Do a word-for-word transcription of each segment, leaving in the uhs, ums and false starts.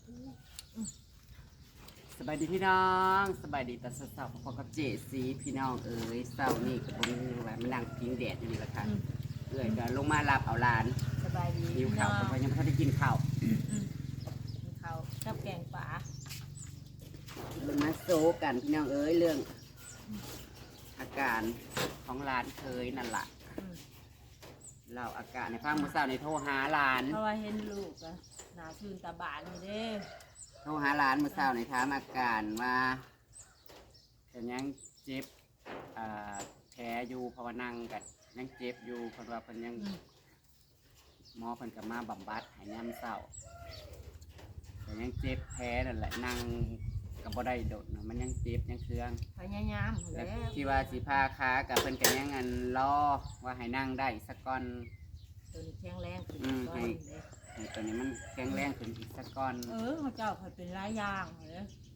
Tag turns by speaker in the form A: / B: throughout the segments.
A: สบายดีพี่น้องสบายดีแต่สาวๆพอกับเจสีพี่น้องเอ๋ยเศร้านี่กับผมแบบมานั่งพิงแดดอยู่นี่แหละค่ะเอื่อยก็ลงมารับเอาหลาน
B: สบายดี
A: หิวข้าวเพราะยังไม่ทันได้กินข้าว
B: กินข้าวกับแกงป่า
A: ลงมาโซกันพี่น้องเอ๋ยเรื่องอาการของหลานเคยนั่นแหละเราอาการในฟังมื้อเช้าในโทรหาหลาน
B: เพราะว่าเห็นลูกอะหนาชื่นตาบานอยู่เด้
A: โทรหาหลานมื้อเช้าในถามอาการว่าเป็นยังเจ็บอ่าแผลอยู่เพราะว่านั่งกันยังเจ็บอยู่เพราะว่าเพิ่นยัง หมอเพิ่นก็มาบำบัดให้ยามเช้าแต่ยังเจ็บแผลนั่นแหละนั่งก็บ่ได้โดดนะมันยังเจ็บยังเคือง
B: พยายาม
A: แล้
B: แล้ว ว
A: ที่ว่าสิพาขากับเพิ่นก็ยังอันรอว่าให้นั่งได้สักก้อน
B: ตัวนี้แข็งแรงขึ้น
A: อืม
B: ก่อ
A: ให้
B: นเด้
A: ให้ตัวนี้มันแข็งแรงขึ้นอีกสักก้อน
B: เออเขาเจ้าเขาเป็นหลายอย่างเลย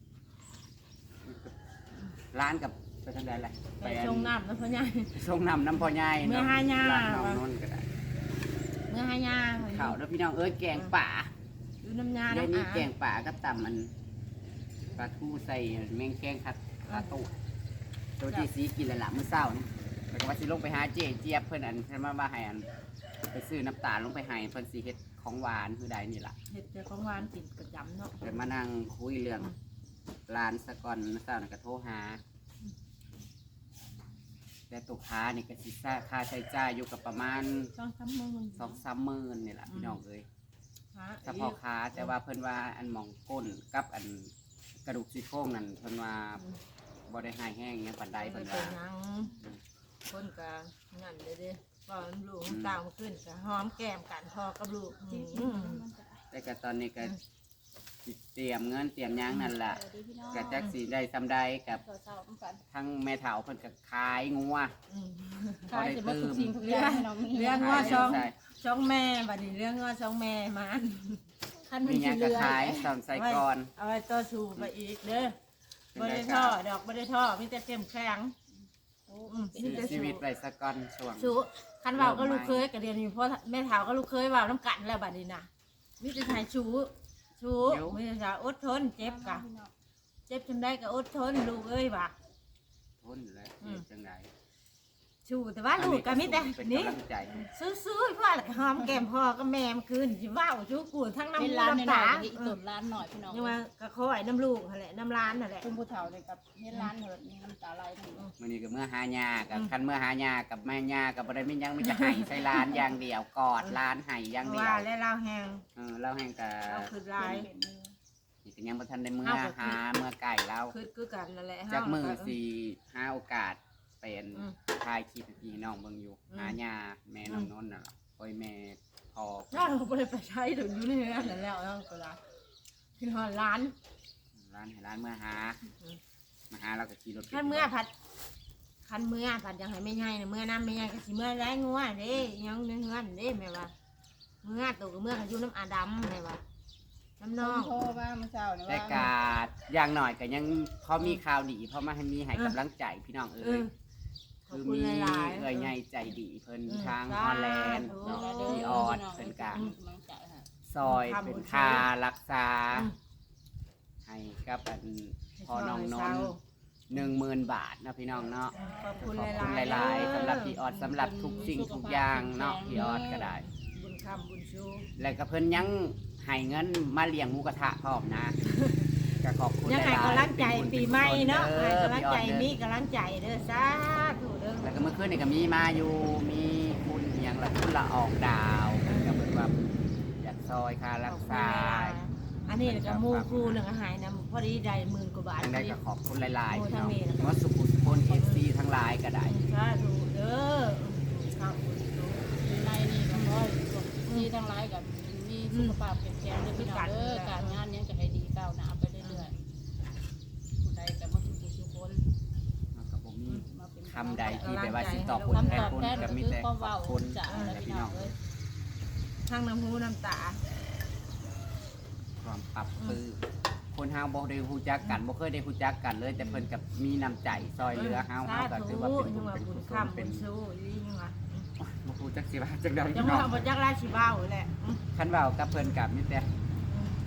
A: ร้านกับไปทางใดล่ะ
B: ไปชงน้ำแล้วพ่อใหญ่
A: ส่งน้ำน้ำพ่อใหญ่
B: เมื่อหาย่า
A: ร้านน้องนนท์ก็ได้
B: เมื่อหายา
A: ข้าวแล้วพี่น้องเอ้ยแกงป่า
B: ดูน้ำยา
A: เดี๋ยว
B: น้ำ
A: นี้
B: อา
A: แกงป่าก็ตำมันปลาทูใส่แมงแกงคัดปลาตูตัวที่สีกินและละมื้อเช้านี่แล้วก็ว่าสิลงไปหาเจ๊เจี๊ยบเพิ่นอันเพิ่นมาว่าให้อันไปซื้อน้ำตาลลงไปให้เพิ่นสิเฮ็ดของหวานคือใดนี่ล่ะ
B: เห็ดแต่ของหวานกินประจำเนาะ
A: เดี๋ยวมานั่งคุยเรื่องร้านสะก่อนมื้อเช้านี่ก็โทรหาแต่ตุกค้านี่ก็สิซ่าค่าใช้จ่ายอยู่กับประมาณ
B: ช่องซ้ำมือ
A: สองสามหมื่นนี่ล่ะพี่น้องเอ้ย
B: หา
A: เฉพาะค้าแต่ว่าเพิ่นว่าอันหมองก้นกับอันกระดูกซี่โครงนั่นเพิ่นว่าบ่ได้หายแห้งหยังปานใด
B: ไป
A: เพิ่น
B: เป็
A: ว่าน
B: ยังคนกะนั่นเลยเด้ก็ลูกตามขึ้นกะหอมแก้มกันพอกับลูกอืม
A: แต่ก็ตอนนี้ก็สิเตรียมเงินเตรียมหยังนั่นล่ะก็จักสิได้ซำใดกับทั้งแม่เฒ่าเพิ่นก็ขายงัว
B: อืม
A: พอได้ตื่ม
B: เรื่องเรื่องว่าช่อง
A: ขาย
B: ช่องแม่บัดนี้เรื่องว่าช่องแม่มันคัน
A: มีหยังก็ขายสอนใส่ก่อน
B: เอาไว้ต่อชูไปอีกเด้อ
A: เป็น
B: บ่
A: ไร
B: ได้
A: ครั
B: ท่อบ ดอกบ่ได้ท่อมีแต่เข้มแข็งอืมมีแต่
A: ชี
B: สู้
A: วิตไว้สักก่อนช่วง
B: สู้คันเว้าก็ลูกเคยก็เรียนอยู่เพราะแม่เฒ่าก็ลูกเคยเว้าน้ำกันแล้วบัดนี้นะมีแต่ทายชูชูมีแต่จะอดทนเจ็บกะเจ็บจนได้ก็อดทนลูกเอ้ยว่ะ
A: ทนแล้วเฮ็ดจังได๋
B: ชูแต่ว่าลูกก็มีแต่
A: เป็น
B: นี่
A: กำลังใจ
B: ซื้อๆเพื่อหอมแก้มพ่อกับแม่มันคืนสิเว้าชูกูทั้งน้ำ
C: เป็น
B: มู
C: ร้าน
B: น้ำ
C: หน่
B: ตา
C: อยๆอีกตุ่นร้านหน่อยพี่น้อง
B: ยังว่ากระคอยน้ำลูกนั่นแหละน้ำร้านนั่นแหละ
C: คุณผู้เฒ่าเลยกับเฮ็ดร้านเหิดมีน้ำตาไหลทั้งหมด
A: มื่อนี้ก็เมื่อหาญากับคันเมื่อหาญากับแม่ญากับบ่ได้มีหยังมีแต่ไห้ใส่ร้านอย่างเดียวกอดร้านไห้อย่างเดีย
B: ว่าว และเราแหง
A: เออเราแห่งกะ
B: เราคือลาย
C: เป็นมือ
A: นี่ก็ยังบ่ทันได้เมื่อหาเมื่อไก่เรา
B: คือคือกันนั่นแหละ
A: จากมือสิหาโอกาสเป็น
B: อืม
A: ถ่ายคลิปให้พี่น้องเบิ่งอยู่
B: อืม
A: หาญาแม่น้องนนท์น่ะล่ะโอ้ยแม่พอ
B: เราไม่ได้ไปใช้ถึงอยู่ในนั้นนั่นแล้วนั่นก็ละคือหอร้าน
A: ร้านให้ร้านเมื่อหา
B: อืม
A: มาหาเราก็ขี่รถ
B: คันเมื่อผัดคันเมื่อผัดยังไงไม่ใช่นะเมื่อน้ำไม่ใช่ก็สิเมื่อไรงัวเด้ยังเนื้อเงินเด้แม่ว่าเมื่อตัวกับเมื่อเขาอยู่น้ำอาดำแม่ว่าน้ำนอง
C: โทรว่าเมื่อเช้าเนี่ย
A: แต่
C: ว่าก
A: าอย่างหน่อยก็ยังพอมีข่าวดีเพราะมาให้มีให้กำลังใจพี่น้อง
B: เอ
A: เอ้
B: อย ขอบ
A: คือ
B: คุณ
A: มี
B: หลายๆ
A: เอื้อยใหญ่ใจดีเพิ่น
B: อืม
A: ทาง
B: สาธุ
A: ฮอลแลนด์เนาะพี่ออดเพิ่นกะ
C: กำลังใจค่ะ
A: ซอยเป็นค่ารักษา
B: อืม
A: ให้กับอันพอน้องนนหนึ่งหมื่นบาทนะพี่น้องเนาะ
B: ขอบ
A: ข
B: คุ
A: อบ
B: ณ
A: คุณ
B: หลายๆ
A: หลายๆสำหรับพี่ออดสำหรับทุกสิ่งทุกอย่างเนาะพี่ออดก็ได้
B: บุญคำบุญชู
A: แล้วก็เพิ่นยังให้เงินมาเลี้ยงหมูกระทะพร้อมนะก็ขอบคุณห
B: ยัง
A: ลาย
B: ไง
A: ๆ
B: กำลังใจ
A: เป็นบุญ
B: ปีใหม่เนาะ
A: ป็
B: ให้
A: กุศล
B: กำลัง
A: เด้อ
B: ใจ
A: พี่ออด
B: มี
A: เด้อ
B: กำลังใจเด้อสาธุเด้อ
A: แล้วก็เมื่อคืนนี่ก็มีมาอยู่มีคุณอหย่างละคุณละออกดาวก็เป็นว่าอยากซอยค่ารักษา
B: อันนี้ก็มูครูหนึ่งอาหารนะพอดีได้หมื่นกว่าบาท
A: ทั้ง
B: พ
A: ได้
B: อดี
A: ก็ขอบคุณหลายๆ
B: โอ้
A: พี่น้อง
B: ทั้งนี้นะครับ
A: ว่าสุขุสุพนเอฟซีทั้งหลายก็ได้
B: สาธุเด้อข้าวบุญชู
C: ในนี่ก็ร้อยที่ทั้งหลายกับมีสุขภาพแข็งแรงด้วยพี่น้องเด้อการงานยังจะให้ดีก้าวหน้าไปเรื่อยๆผู้ใดก็มาสุขสุขคน
A: แล้วก็บ่มี
C: มาเป็น
A: คำใดที่แบบว่าสิตอบคุณแท
C: คำ
A: น
C: ตอบ
A: คุณ
C: แทน
A: ก็
C: ก็
A: มี
C: คือ
A: แต่
C: ความ
A: ขอ
C: เว้า
A: บคุณ
C: จาก
A: และ
C: พี่
A: พี่
C: น้
A: น้
C: อ
A: อง ง
C: เอ้ย
B: ทั้งน้ำหูน้ำตา
A: ความปรับปรื้มคนเฮาบ่ได้ฮู้จักกันบ่เคยได้ฮู้จักกันเลย แต่เพิ่นกับมีน้ำใจซอยเหลือเฮาเฮาก็ถือว่าเป็นบุญเป็น
B: บุ
A: กุ
B: ญ
A: ศล
B: คำ
A: เป็
B: บุ
A: น
B: ญชูนี่ยังไง
A: บ่ฮู้จักสิว่าจังได๋
B: จั
A: พี่
B: งห
A: น้อ
B: วะ
A: ง
B: บ่จักราชิบ้าวแหละ
A: คันเว้ากับเพิ่นกับมีแต่หายใส่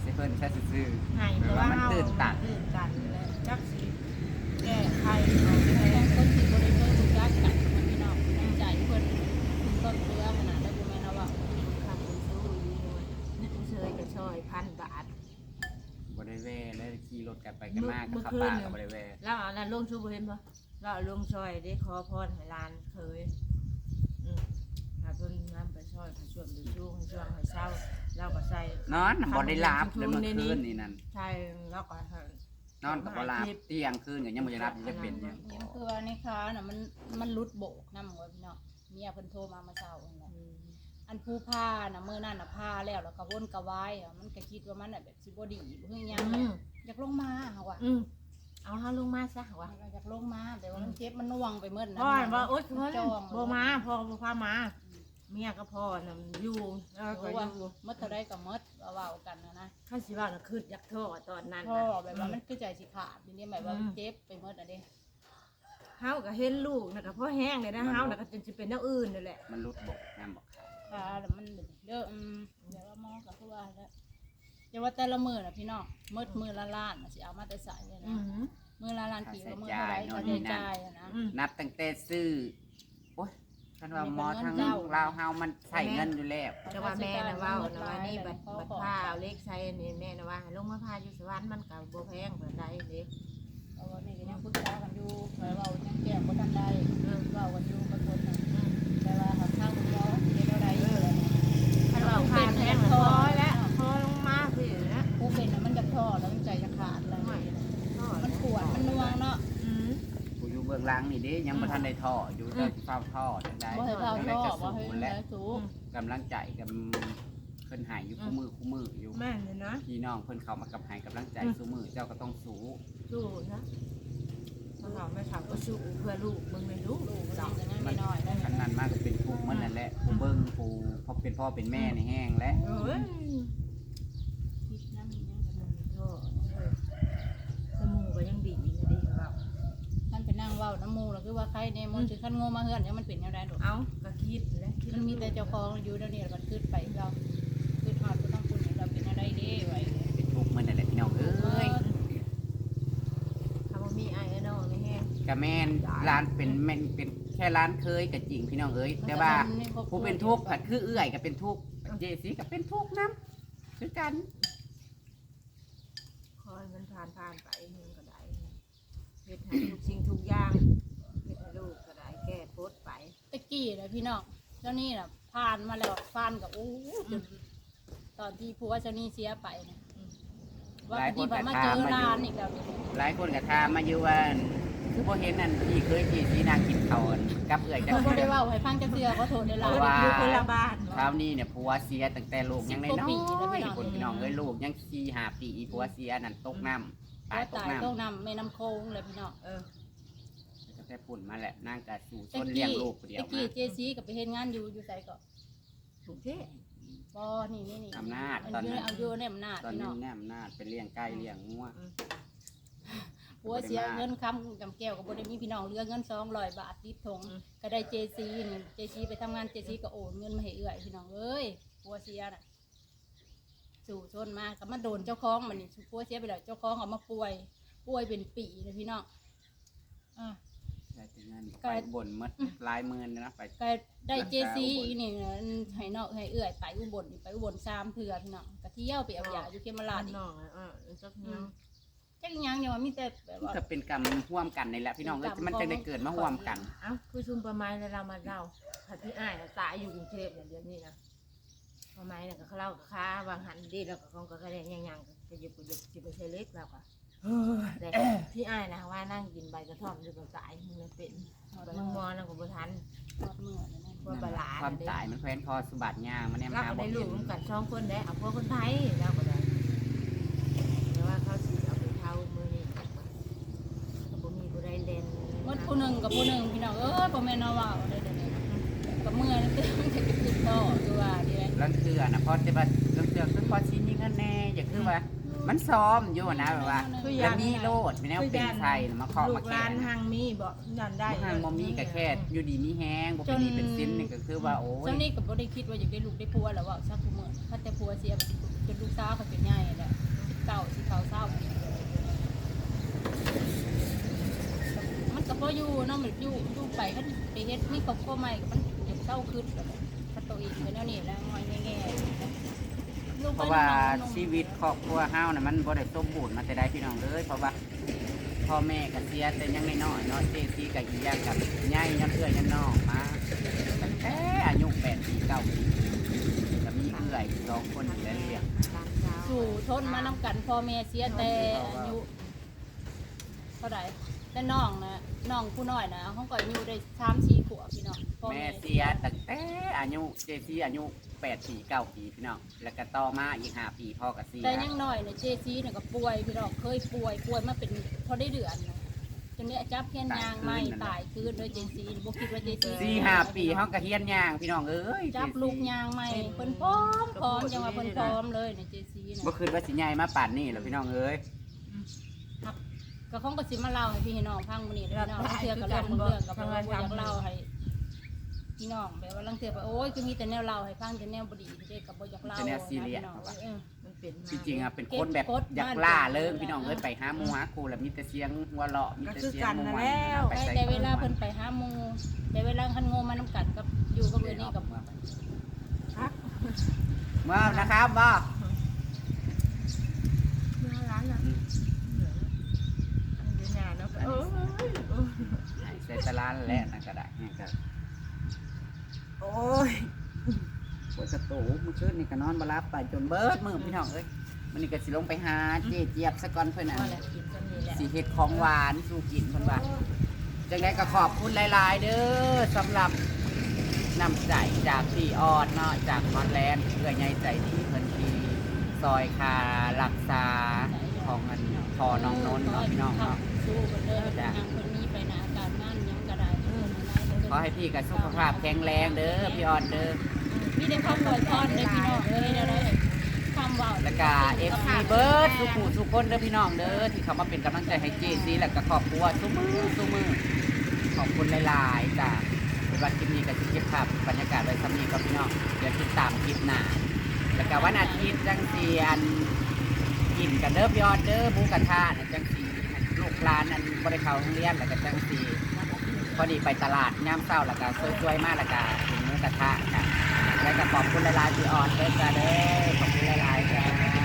A: สิเพิ่นแค่ซื่อ
B: ให้
A: ๆแบ
B: แต่
A: บ
B: ว่า
A: ว่ามัน
B: เฮา
A: ตื่นตัน
B: ตื่นตันแล้วจักสิแก้ไขเอาไป
C: บา
B: แล้ว
C: งคนที่บ่ได้เคยรู้จักกันมันพี่น้องน้ำใจเพิ่นถึงต้นเรือขนาดได้บ่แม่นเอาว่า
B: ค่าไปสู้นี่เฉยก็ช่อยพันบาท
A: บริเวณแล้วขี่รถกันไปกันมากกับขับ
B: เมื่อ
A: ป่า
B: คืน
A: กับบริเวณ
B: แล้วเอานั้นลงชูบ่เห็นบ่แล้วเอาลงช่อยได้ขอพรให้หลานเคยอืมถ้าเพิ่นนำไปช่อยไปช่วยไปช่วงช่วงให้เช้าเราก็ใส่
A: นอนบ่ได้หลับเลยเมื่อคืนนี่นั่น
B: ใช่แล้วก็ให้
A: นอนกับบ่หลับเที่ยงคืนก็ยังบ่ได้หลับยังจะเป็นอยู่
C: เนี่ยคือว่าในค้าน่ะมันมันรุดโบกนำไว้พี่น้องเมียเพิ่นโทรมาเมื่อเช้านั่นแหละ
B: อืม
C: อันผู้ผ้าน่ะมื้อนั้นน่ะผ้าแล้วแล้วก็วนกระวายอ่ะมันก็คิดว่ามันน่ะแบบสิบ่ดีบ่คือหยัง
B: อืม
C: อยากลงมาเฮาว่า
B: อืมเอาเฮาลงมาซะว่า
C: อยากลงมาแต่ว่ามันเจ็บมันน่วงไปหมดนะ
B: พ่อว่าโอ๊ยเพิ่น
C: จอง
B: บ่มาพ่อบ่พามา เมียก็พ่อน่ะอยู่แล้วก็
C: เพราะ
B: อ
C: ว่า
B: ยู่
C: มดเท่าใดก็มดว่าเว้ากันนะนะ
B: ข้าสิว่าน่ะคืออยากโทษตอนนั้น
C: พ่อ
B: น่ะ
C: แบบว่ามันคือใจสิขาดทีนี้แบบว่ามันเจ็บไปหมดอ่ะเด้
B: เฮาก็เห็นลูกน่ะก็พ่อแห้งเลยนะเฮาน่ะก็จนสิเป็นแนวอื่นนั่นแหละ
A: มันรุดบกน้ำบอกเขา
C: ขาแล้วมันเด้ออืมเดี๋ยวว่าหมอก็คือว่าแล้วแต่ว่าแต่ละมื้อน่ะพี่น้องมดมื้อละล้านน่ะสิเอามาแต่ใส่เลย
B: อื
C: นะ
B: อ
C: มื้อละล้านปีว่ามื้อเท่าใดค่าใช้จ่ายอะนะ
B: อืม
A: นับตั้งแต่ซื้อโอ้ยท่านว่าหมอทั้ง
C: เจ้า
A: ลาวเฮามันใส่เงินอยู่แล้ว
B: แต่ว่าแม่น่ะเว้าน่ะว่านี่บัดบัดพาเอาเล็กใส่นี่แม่น่ะว่าให้ลงมาพาอยู่สวรรค์มันก็บ่แพงปานใดเด้
C: เพราะว่านี่ก็ยังปรึกษากันอยู่เว้ายังแก้บ่ทันได้
B: เออ
C: เว้ากันอยู่กับคนน่ะ
B: อืม
C: แต่ว่าหาทางคุณหมอสิเฮ็ดเอาได้อยู่แล้วนะ
B: คันว่าพาแพงพอแล้วพอลงมาสินะ
C: ผู้เป็นน่ะมันจะท้อแล้วมันใจจะขาดแล้วมันปวดมันน่วงเนาะ
B: อืม
A: ผู้อยู่เบื้องหลังนี่เด้ยังบ่ทันได้ท่ออยู่แต่สิเฝ้าท่อจังได๋
C: บ่ให้เฝ้า
A: จังได๋
C: ท้อ
A: ก็
C: บ่
A: สู้
C: ให้
A: และ
C: ให้สูง
A: กำลังใจกับเพิ่นใหายอยู่คู่มือคู่มืออยู่
B: แม่นเลยนะ
A: พี่น้องเพิ่นเข้ามากับให้กำลังใจสู้มือเจ้าก็ต้องสู้
B: สู้นะถ้าเราไม่ทำก็สู้เพื่อลูกมึงไม่รู้
C: ลูกมัน
B: เรา
C: จะยังไม่น้อยได้
A: คันนั้นมากก็เป็นทุกข์มันนั่นแหละผู้เบิ่งผู้พอเป็นพ่อเป็นแม่ในแห้งและ
B: เอ้ย
C: คิดน้ำยังกัน
B: โธ่เอ้ยสมูก็ยังดีนะดีของเรา
C: มันไปนั่งเว้าน้ำมูแล้วคือว่าใครเนี่ยมันคือขั้นโง่มาเฮือนเนี่ยมันเป็นยังไงดอก
B: เอาก็คิดแล้วคิด
C: มันมีแต่เจ้าของอยู่เดี๋ยวนี้แล้วก็ขึ้นไปเราขึ้นฮอดก็ต้องคุณเราเป็นอะไรเด้ไว้
A: เป็นทุกข์มันนั่นแหละพี่น้องเอ้ย
B: คำว่ามีไอ้เนาะไม่แห้ง
A: กะแม่นร้านเป็นแม่นเป็นแค่ร้านเคยก็จริงพี่น้องเอ้ยแต่ว่าผู้เป็นทุกข์ผัดคือเอื้อยก็เป็นทุกข์เจสีก็เป็นทุกข์นํคือกัน
B: คอยมันผ่านผ่านไปมึงก็ได้เฮ็ดให้ทุกสิ่งทุกอย่างเฮ็ดให้ลูกก็ได้แก้โพดไป
C: ตะกี้นะพี่น้องเจ้านี่น่ะผ่านมาแล้วผ่านกับโอ้จนตอนที่ผัวเจ้านี่เสียไปนะว่าที่พอมาเจอร้านอีกแล้ว
A: หลายคนก็ถามมาอยู่ว่าคือบ่เห็นนั่นพี่เคยเจสีนางกินข้าวกับเอื้อยจัง
C: เขาบ่
A: ซี่
C: ได้เว่าให้ฟังจะเสือเขาโทษในร้าน
A: ว่า
B: อยู่คนละบ้าน
A: คราวนี้เนี่ยผัวเสียตั้งแต่ลูกยังน้อยๆคนพี่น้องเอ้ยลูกยังสี่ห้าปีผัวเสียนั่นตกน้ำตาย
C: ก็
A: ตก
C: ตาย
A: น้ำ
C: ต้องนำแม่น้ำโค้งเลยพี่น้อง
B: เออ
A: ก็แต่ปุ่นมาแหละนางก็สู่ช
C: ตะ
A: นเลี้ยง
C: กี้
A: ลูกคนเดียว
C: ตะ
A: มา
C: กี้เจซีกับไปเฮ็ดงานอยู่อยู่ไสก็
B: ถูกเท่
C: บ่นี่นี่นี่
A: อำนาจ
C: อัน
A: ตอน
C: นี้
A: นั้น
C: เอาอยู่ในอำนาจ
A: ตอน
C: พี่
A: นี้
C: น้อง
A: แน่อำนาจไปเลี้ยงไก่เลี้ยงงัว
C: ผัวเสียเงินค้ำจำแก้วก็บ่ได้มีพี่น้องเหลือเงินสองร้อยบาทติดถงก็ได้เจซีนี่เจซีไปทำงานเจซีก็โอนเงินมาให้เอื้อยพี่น้องเอ้ยผัวเสียน่ะสู่ชนมาก็มาโดนเจ้าของมันนี่ผัวเสียไปแล้วเจ้าของเอามาป่วยป่วยเป็นปีเลยพี่น้องอ่า
A: ได้แต่เงิน
C: ไก่
A: ไปบ่นหมดหลายหมื่นนะไป
C: ก็ได้เจซีอีนี่นะให้นอกให้เอื้อยไปอุบลนี่ไปอุบลสามเถื่อพี่น้องก็เที่ยวไปเอายาอยู่เขมราชอีก
B: น้องเออจัก
C: อื
B: เนาะ
C: มจักอีหยังเนี่ยว่ามีแต่แบบว่า
A: ก็เป็นกรรมร่วมกันนี่แหละพี่น้องเอ้ยมันจะได้เกิดมาร่วมกัน
B: เอ้าคือชุมประมาณแล้วเรามาเล่าถ้าพี่อ้ายน่ะตายอยู่กรุงเทพเนี่ยเดี๋ยวนี้นะประมาณเนี่ยก็เขาเล่าค้าวางหันดีแล้วก็คงก็กระเด็นยังๆก็หยิบหยิบสิบเซเล็กแล้วก็แต่พี่อ้ายนะว่านั่งกินใบกระท่อมอยู่กับสายมึงเลยเป็นไปมึงมอนั่งกับบุทัน
C: ทอดมือเลยนะ
B: ว่าปลาหลา
A: ความตายมันแคว้นคอสุบัติยางมันเนี่ย
B: เรา
A: มา
B: ก็
A: บ่
B: ได้ลู
A: เห็
B: ก
A: น
B: ร่วมกันสองคนได้เอาพวกคนไทยแล้วก็ได้แต่ว่าเขาสิเอาไปเท่ามือนี่ก็บ่มีผู้ใดเล่น
C: หมดผู้หนึ่งกับผู้หนึ่งพี่น้องเอ้ยพ่อแม่นเอาว่าเอาได้เดี๋ยวนี้นะกับเมื่อนี่คือมันจะติดต่อคือว่าดีไหม
A: ลังเทือนะเพราะแต่ว่าลังเทือคือพอชิ้นนี้เงินแน่อย่างคือว่ามันซ้อมอยู่นะแบบว่าแล้วมีโลดมีแนวเป็นไทยมาเคาะ
B: ลู
A: มาก
B: ห
A: แข่
B: ลาน
A: ง
B: หังมีบ่นั่นได้
A: ทางมมีกับแค่อยู่ดีมีแห้งบ่เป็นดีเป็นซินนี่ก็คือว่าโอ้ย
C: เจ้านี่ก็บ่ได้คิดว่าอยากได้ลูกได้ผัวแล้วว่าซักผู้เมื่อถ้าแต่ผัวเสียจนลูกสาวเขาเป็นใหญ่แล้วเก้าสิเขาเศร้ามันก็พออยู่เนาะมันอยู่อยู่ไปก็ไปเฮ็ดมีครอบครัวใหม่ก็มันเดี๋ยวเศร้าขึ้นถ้าตัวอีกไปแล้วนี่แล้วงอยแง่ๆ
A: เพราะว่าชีวิตครอบครัวเฮาน่ะมันบ่ได้สมบูรณ์มาแต่ใดพี่น้องเลยเพราะว่าพ่อแม่ก็เสียแต่ยังน้อยๆเนาะเจซีกับอียากับใหญ่ยันเอื้อยยันน้องมาตั้งแต่อายุแปดปีเก้าปีก็มีเอื้อยสองคนอยู่แล้วเลี้ยง
C: สู่ทนมานำกันพ่อแม่เสียแต่อายุเท่าไหร่แต่น้องนะน้องผู้น้อยนะเขาก็อายุได้สามสี่ขวบพี่น้องพ่อ
A: แม่
C: แม่
A: เสียตั้งแต่อายุเจซีอายุแปดปีเก้าปีพี่น้องแล้วก็ต่อมาอีกห้าปีพ่อก็เสีย
C: แต่ยังน้อยเนี่ยเจซีเนี่ยก็ป่วยพี่น้องเคยป่วยป่วยมาเป็นพอได้เดือนนะจนเนี้ยจับเพี้ยนยางไม่ตายคืนโดยเจซีบ่คิดว่าเจซี
A: สี่ห้าปีเฮาก็เฮียนย่างพี่น้องเอ้ย
C: จับลูกยางไม่เพิ่นพร้อมพร้อมจังว่าเพิ่นพร้อมเลยเนี่ยเจซีเนี่ย
A: บ่คืนว่าสิใหญ่มาป่านนี้แล้วพี่น้องเอ้ย
C: ก็คงก็สิมาเล่าให้พี่น้องฟังมื้อนี้เด้อพี่น้องเทื่อก็เรื่องเรื่องก็บ่ว่าอยากเล่าให้พี่น้องแบบว่าลังเทื่อว่าโอ้ยคือมีแต่แนวเล่าให้ฟังแต่แนวบ่ดีเด้ก็บ่อยากเล่า
A: แต่แนวซีเรียส
C: พี่น้องเออ
B: มันเป็นมา
A: จริงๆอ่ะเป็นคนแบบอยากล่าเริงพี่น้องเอ้ยไปหาหมูหาครูแล้วมีแต่เสียงหัวเราะมีแต่เสียงม่วนไป
C: ได้
A: ใส่
C: แต่เวลาเพิ่นไปหาหมู่แต่เวลาคันโงมานำกันกับอยู่กับเพิ่นนี่กับ
A: เมื่อนะครับบ่
B: เมื่อร้านอ่ะอันเดียวนาเนาะเออเออ
A: ใส่ตะลานแหละนั่นก็ได้นี่ก็โอ้ยปวดกระตูเมื่อคืนนี่ก็นอนบ่หลับไปจนเบิดมื้อพี่น้องเอ้ยมันนี่ก็สิลงไปหาเจ๊เจี๊ยบซะก่อนเพิ่นน่ะ
B: พอแล้วกินกันนี่แหละ
A: สิเฮ็ดของหวานสู่กินเพิ่นว่าจังได๋ก็ขอบคุณหลายๆ เด้อสำหรับน้ำใจจากพี่ออดเนาะจากฮอลแลนด์เพื่อใหญ่ใจดีเพิ่นที่ซอยคารักษาของอันพอน้องนนท์เนาะพี่น้องเนาะ
C: สู้กันเด้อทางเพิ่นมีไปหน้าการงานหยังก็ได้เพิ่นให้
A: ขอให้พี่กับสุขภาพแข็งแรงเด้อพี่ออดเด้อ
C: มีแต่คำอวยพรเด้อพี่น้องเอ้ยได้คำเว้า
A: แล้วก็เอฟซีเบิร์ดสุขุสุคนเด้อพี่น้องเด้อที่เขามาเป็นกำลังใจให้เจซีแล้วก็ครอบครัวทุกมือทุกมือขอบคุณหลายๆจ้ะเป็นวันคลิปนี้ก็จะเก็บภาพบรรยากาศไว้สำนีกับพี่น้องเดี๋ยวติดตามคลิปหน้าแล้วก็วันอาทิตย์จังเสียนกินกันเด้อพี่ออดเด้อหมูกระทะน่ะจังสีลูกหลานนั่นบ่ได้เข้าโรงเรียนแล้วก็จังสีพอดีไปตลาดย่ามเช้าแล้วก็สวยๆมากแล้วก็กินหมูกระทะกันแล้วก็ขอบคุณหลายๆพี่ออดเด้อจ้าเด้อขอบคุณหลายๆจ้า